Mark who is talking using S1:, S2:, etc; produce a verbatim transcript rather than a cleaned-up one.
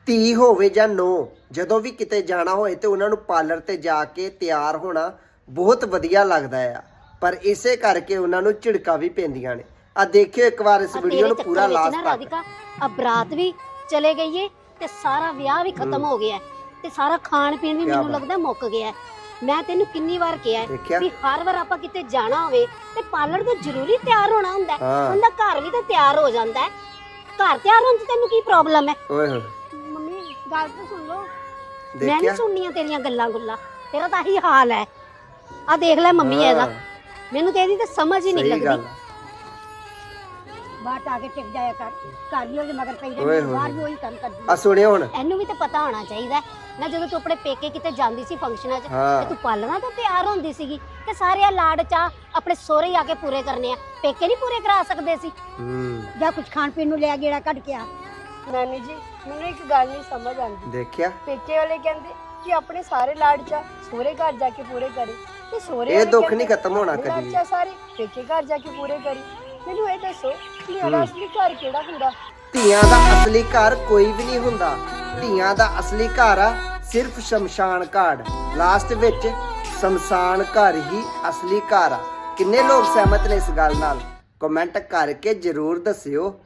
S1: ਧੀ ਹੋਵੇ ਜਾਂ ਨੋ, ਜਦੋਂ ਵੀ ਕਿਤੇ ਜਾਣਾ ਹੋਏ ਤੇ ਉਹਨਾਂ ਨੂੰ ਪਾਰਲਰ ਤੇ ਜਾ ਕੇ ਤਿਆਰ ਹੋਣਾ ਬਹੁਤ ਵਧੀਆ ਲੱਗਦਾ ਆ, ਪਰ ਇਸੇ ਕਰਕੇ ਉਹਨਾਂ ਨੂੰ ਝਿੜਕਾਂ ਵੀ ਪੈਂਦੀਆਂ ਨੇ। ਆ ਦੇਖਿਓ ਇੱਕ ਵਾਰ ਇਸ ਵੀਡੀਓ ਨੂੰ ਪੂਰਾ ਲਾਸਟ ਤੱਕ।
S2: ਰਾਧਿਕਾ ਆ ਬਰਾਤ ਵੀ ਚਲੇ ਗਈ ਏ ਤੇ ਸਾਰਾ ਵਿਆਹ ਵੀ ਖਤਮ ਹੋ ਗਿਆ ਤੇ ਸਾਰਾ ਖਾਣ ਪੀਣ ਵੀ ਮੈਨੂੰ ਲੱਗਦਾ ਮੁੱਕ ਗਿਆ। ਮੈਂ ਤੈਨੂੰ ਕਿੰਨੀ ਵਾਰ ਕਿਹਾ ਵੀ ਹਰ ਵਾਰ ਆਪਾਂ ਕਿਤੇ ਜਾਣਾ ਹੋਵੇ ਤੇ ਪਾਰਲਰ ਤੋਂ ਜ਼ਰੂਰੀ ਤਿਆਰ ਹੋਣਾ ਹੁੰਦਾ, ਬੰਦਾ ਘਰ ਵੀ ਤਾਂ ਤਿਆਰ ਹੋ ਜਾਂਦਾ ਹੈ। ਘਰ ਤਿਆਰ ਹੋਣ 'ਚ ਤੈਨੂੰ ਕੀ ਪ੍ਰੋਬਲਮ ਹੈ?
S1: ਓਏ ਹੋਏ
S2: ਮੰਮੀ ਗੱਲ ਤਾਂ ਸੁਣ ਲਓ, ਮੈਂ ਨਹੀਂ ਸੁਣਨੀਆਂ ਤੇਰੀਆਂ ਗੱਲਾਂ ਗੁੱਲਾਂ, ਤੇਰਾ ਤਾਂ ਇਹੀ ਹਾਲ ਹੈ। ਆ ਦੇਖ ਲੈ ਮੰਮੀ ਇਹਦਾ, ਮੈਨੂੰ ਤੇ ਇਹਦੀ ਤਾਂ ਸਮਝ ਹੀ ਨਹੀਂ ਲੱਗਦੀ। ਬਾਹਰ ਆ ਕੇ ਟਿਕ ਜਾਇਆ ਕਰ, ਘਰ ਵੀ ਉਹਦੇ ਮਗਰ ਪਈ ਰਹਿੰਦੀ, ਬਾਹਰ ਵੀ ਉਹੀ ਕੰਮ ਕਰਦੀ।
S1: ਆ ਸੁਣਿਓ ਹੁਣ,
S2: ਇਹਨੂੰ ਵੀ ਤਾਂ ਪਤਾ ਹੋਣਾ ਚਾਹੀਦਾ ਨਾ, ਜਦੋਂ ਤੂੰ ਆਪਣੇ ਪੇਕੇ ਕਿਤੇ ਜਾਂਦੀ ਸੀ ਫੰਕਸ਼ਨਾਂ 'ਚ ਤੇ ਤੂੰ ਪਾਲਣਾ ਤਾਂ ਤਿਆਰ ਹੁੰਦੀ ਸੀਗੀ ਤੇ ਸਾਰੇ ਲਾੜ ਚਾ ਆਪਣੇ ਸਹੁਰੇ ਆ ਕੇ ਪੂਰੇ ਕਰਨੇ ਆ, ਪੇਕੇ ਨਹੀਂ ਪੂਰੇ ਕਰਾ ਸਕਦੇ ਸੀ। ਜਾਂ ਕੁਝ ਖਾਣ ਪੀਣ ਨੂੰ ਲਿਆ ਗੇੜਾ ਕੱਢ ਕੇ ਆ।
S3: ਨਾਨੀ ਜੀ ਮੈਨੂੰ ਇੱਕ ਗੱਲ ਨਹੀਂ ਸਮਝ ਆਉਂਦੀ,
S1: ਦੇਖਿਆ
S3: ਪੇਕੇ ਵਾਲੇ ਕਹਿੰਦੇ ਕਿ ਆਪਣੇ ਸਾਰੇ ਲਾੜ ਚਾ ਸਹੁਰੇ ਘਰ ਜਾ ਕੇ ਪੂਰੇ ਕਰੇ ਤੇ ਸਹੁਰੇ
S1: ਇਹ ਦੁੱਖ ਨਹੀਂ ਖਤਮ ਹੋਣਾ ਕਦੀ।
S3: ਅੱਛਾ ਸਾਰੇ ਪੇਕੇ ਘਰ ਜਾ ਕੇ ਪੂਰੇ ਕਰੀ। ਮੈਨੂੰ ਇਹ ਦੱਸੋ ਕਿ ਮੇਰਾ ਅਸਲੀ ਘਰ ਕਿਹੜਾ ਹੁੰਦਾ?
S1: ਧੀਆਂ ਦਾ ਅਸਲੀ ਘਰ ਕੋਈ ਵੀ ਨਹੀਂ ਹੁੰਦਾ। ਧੀਆਂ ਦਾ ਅਸਲੀ ਘਰ ਆ ਸਿਰਫ ਸ਼ਮਸ਼ਾਨ ਘਾਟ, ਲਾਸਟ ਵਿੱਚ ਸ਼ਮਸ਼ਾਨ ਘਰ ਹੀ ਅਸਲੀ ਘਰ ਆ। ਕਿੰਨੇ ਲੋਕ ਸਹਿਮਤ ਨੇ ਇਸ ਗੱਲ ਨਾਲ? ਕਮੈਂਟ ਕਰਕੇ ਜਰੂਰ ਦੱਸਿਓ।